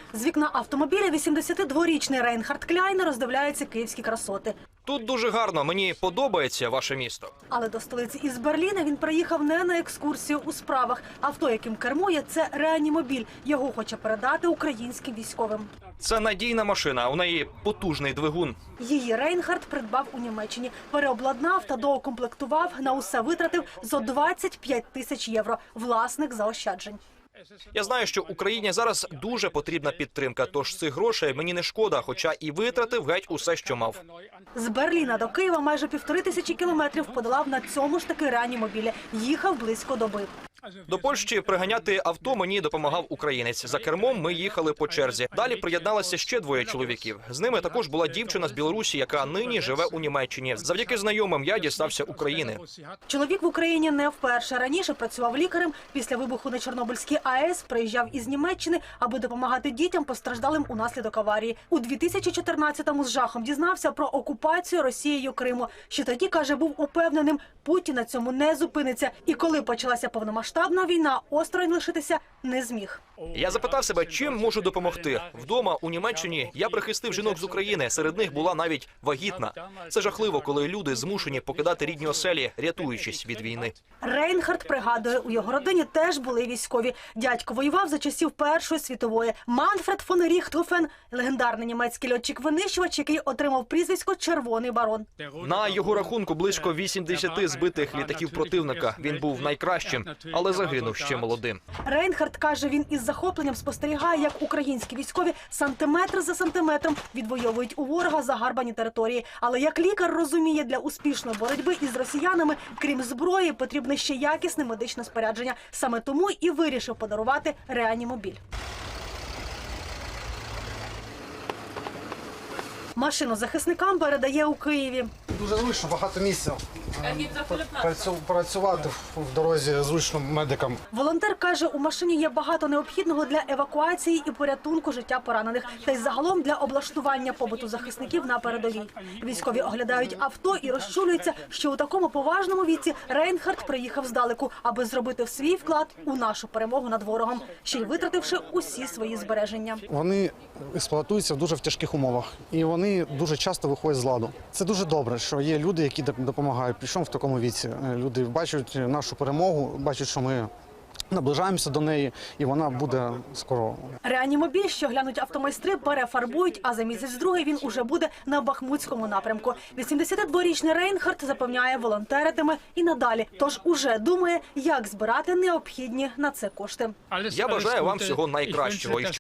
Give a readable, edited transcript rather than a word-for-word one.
З вікна автомобіля 82-річний Рейнхард Кляйн роздивляється київські красоти. Тут дуже гарно, мені подобається ваше місто. Але до столиці із Берліна він приїхав не на екскурсію у справах. Авто, яким кермує, це реанімобіль. Його хоче передати українським військовим. Це надійна машина, у неї потужний двигун. Її Рейнхард придбав у Німеччині, переобладнав та доукомплектував, на усе витратив зо 25 тисяч євро. Власник заощаджень. Я знаю, що Україні зараз дуже потрібна підтримка, тож цих грошей мені не шкода, хоча і витратив геть усе, що мав. З Берліна до Києва майже 1500 кілометрів подолав на цьому ж таки реанімобілі. Їхав близько доби. До Польщі приганяти авто мені допомагав українець. За кермом ми їхали по черзі. Далі приєдналися ще двоє чоловіків. З ними також була дівчина з Білорусі, яка нині живе у Німеччині. Завдяки знайомим я дістався України. Чоловік в Україні не вперше. Раніше працював лікарем. Після вибуху на Чорнобильській АЕС приїжджав із Німеччини, аби допомагати дітям, постраждалим унаслідок аварії. У 2014-му з жахом дізнався про окупацію Росією Криму. Ще тоді, каже, був упевненим, Путін на цьому не зупиниться. І коли почалася повномасштабна війна, осторонь лишитися не зміг. Я запитав себе, чим можу допомогти. Вдома у Німеччині я прихистив жінок з України, серед них була навіть вагітна. Це жахливо, коли люди змушені покидати рідні оселі, рятуючись від війни. Рейнхард пригадує, у його родині теж були військові. Дядько воював за часів Першої світової. Манфред фон Ріхтгофен – легендарний німецький льотчик-винищувач, який отримав прізвисько «Червоний барон». На його рахунку близько 80 збитих літаків противника. Він був найкращим, але загинув ще молодим. Рейнхард каже, він із захопленням спостерігає, як українські військові сантиметр за сантиметром відвоюють у ворога загарбані території. Але як лікар розуміє, для успішної боротьби із росіянами, крім зброї, потрібне ще якісне медичне спорядження. Саме тому і вирішив подарувати реанімобіль. Машину захисникам передає у Києві. Дуже зручно, багато місця. Працювати в дорозі зручно медикам. Волонтер каже, у машині є багато необхідного для евакуації і порятунку життя поранених, та й загалом для облаштування побуту захисників на передовій. Військові оглядають авто і розчулюються, що у такому поважному віці Рейнхард приїхав здалеку, аби зробити свій вклад у нашу перемогу над ворогом, ще й витративши усі свої збереження. Вони експлуатуються в дуже тяжких умовах і вони дуже часто виходять з ладу. Це дуже добре, що є люди, які допомагають. Причому в такому віці. Люди бачать нашу перемогу, бачать, що ми наближаємося до неї, і вона буде скоро. Реанімобіль, що глянуть автомайстри, перефарбують, а за місяць-другий він уже буде на Бахмутському напрямку. 82-річний Рейнхард запевняє, волонтеритиме і надалі, тож уже думає, як збирати необхідні на це кошти. Я бажаю вам всього найкращого.